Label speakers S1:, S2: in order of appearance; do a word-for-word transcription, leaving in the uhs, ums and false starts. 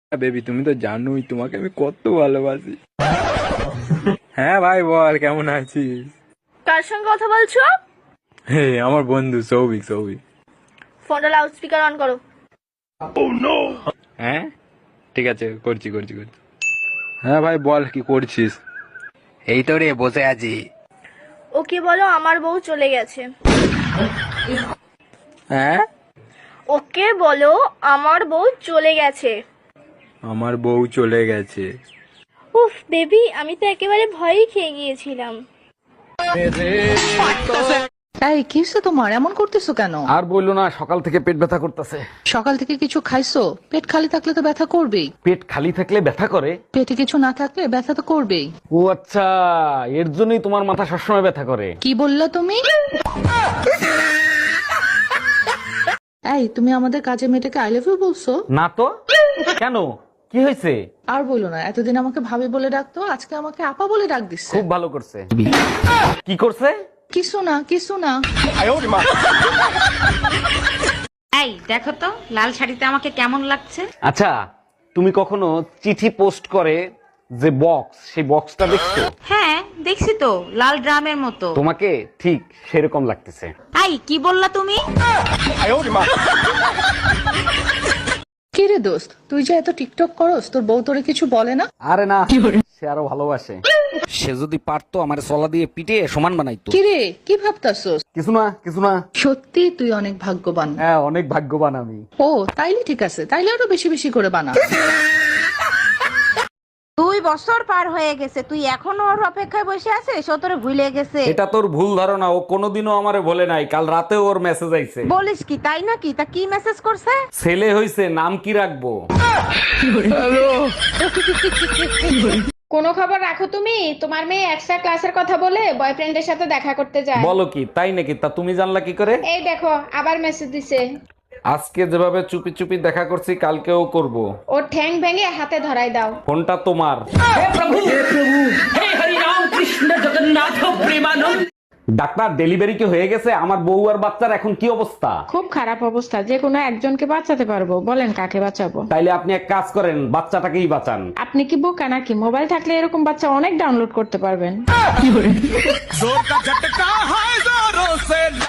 S1: Baby তুমি তো জানোই তোমাকে আমি কত ভালোবাসি। হ্যাঁ ভাই বল কেমন আছিস?
S2: কার সঙ্গে কথা বলছো?
S1: হে আমার বন্ধু সৌভিক সৌভিক।
S2: ফোনটা লাউড স্পিকার অন করো।
S1: হ্যাঁ ঠিক আছে করছি করছি করছি। হ্যাঁ ভাই বল কি করছিস? এই তো রে বসে আছি।
S2: ওকে বলো আমার বউ চলে গেছে।
S1: হ্যাঁ
S2: ওকে বলো আমার বউ চলে গেছে।
S1: আমার বউ চলে গেছে।
S2: উফ বেবি আমি তো একেবারে ভয়ই খেয়ে গিয়েছিলাম।
S3: এই কি হচ্ছে তোমার, এমন করতেছো কেন?
S4: আর বললো না, সকাল থেকে পেট ব্যথা করতেছে।
S3: সকাল থেকে কিছু খাইছো? পেট খালি থাকলে তো ব্যথা করবেই।
S4: পেট খালি থাকলে ব্যথা করে?
S3: পেটে কিছু না থাকলে ব্যথা তো করবেই।
S4: ও আচ্ছা, এর জন্যই তোমার মাথা সবসময় ব্যথা করে।
S3: কি বললা তুমি? এই তুমি আমাদের কাজের মেয়েটাকে আই লাভ ইউ বলছো?
S4: না তো, কেন কি হয়েছে?
S3: আর বলো না, এতদিন আমাকে ভাবি বলে ডাকতো, আজকে আমাকে আপা বলে ডাক দিচ্ছে।
S4: খুব ভালো করছে। কি করছে?
S3: কিছু না কিছু না।
S5: এই দেখো তো লাল শাড়িতে আমাকে কেমন লাগছে।
S4: আচ্ছা, তুমি কখনো চিঠি পোস্ট করে যে বক্স, সেই বক্সটা দেখছো?
S5: হ্যাঁ দেখছি তো, লাল ড্রামের মতো।
S4: তোমাকে ঠিক সেরকম লাগতেছে।
S5: এই কি বললা তুমি?
S3: কি রে দোস্ত, তুই যে এত টিকটক করস, তোর বউ তোরে কিছু বলে না?
S4: আরে না, সে আরো ভালোবাসে। সে যদি পারতো আমার সলা দিয়ে পিটে সমান বানাইতো।
S3: কি রে কি ভাবতাছস?
S4: কিছু না কিছু না।
S3: সত্যি তুই অনেক ভাগ্যবান।
S4: হ্যাঁ অনেক ভাগ্যবান আমি।
S3: ও তাইলে ঠিক আছে, তাইলে আরো বেশি বেশি করে বানা।
S5: দুই বছর পার হয়ে গেছে, তুই এখনো ওর অপেক্ষায় বসে আছিস? ও তোরে ভুলে গেছে।
S4: এটা তোর ভুল ধারণা, ও কোনোদিনও আমারে বলে নাই। কাল রাতে ওর মেসেজ আইছে।
S5: বলিস কি, তাই নাকি? তা কি মেসেজ করছে?
S4: ছেলে হইছে, নাম কি রাখবো?
S6: কোনো খবর রাখো তুমি? তোমার মেয়ে এক্সট্রা ক্লাসের কথা বলে বয়ফ্রেন্ডের সাথে দেখা করতে যায়।
S4: বলো কি, তাই নাকি? তা তুমি জানলা কি করে?
S6: এই দেখো আবার মেসেজ দিছে।
S4: আজকে যেভাবে চুপি চুপি দেখা করছি, কালকেও করব।
S6: ওর ঠ্যাং ভেঙে হাতে ধরাই দাও।
S4: ফোনটা তোমার। ডাক্তার, ডেলিভারি কি হয়ে গেছে? আমার বউ আর বাচ্চার এখন কি অবস্থা?
S6: খুব খারাপ অবস্থা, যে কোনো একজনকে বাঁচাতে পারবো, বলেন কাকে বাঁচাবো?
S4: তাইলে আপনি এক কাজ করেন, বাচ্চাটাকেই বাঁচান।
S6: আপনি কি বোকা নাকি? মোবাইল থাকলে এরকম বাচ্চা অনেক ডাউনলোড করতে পারবেন।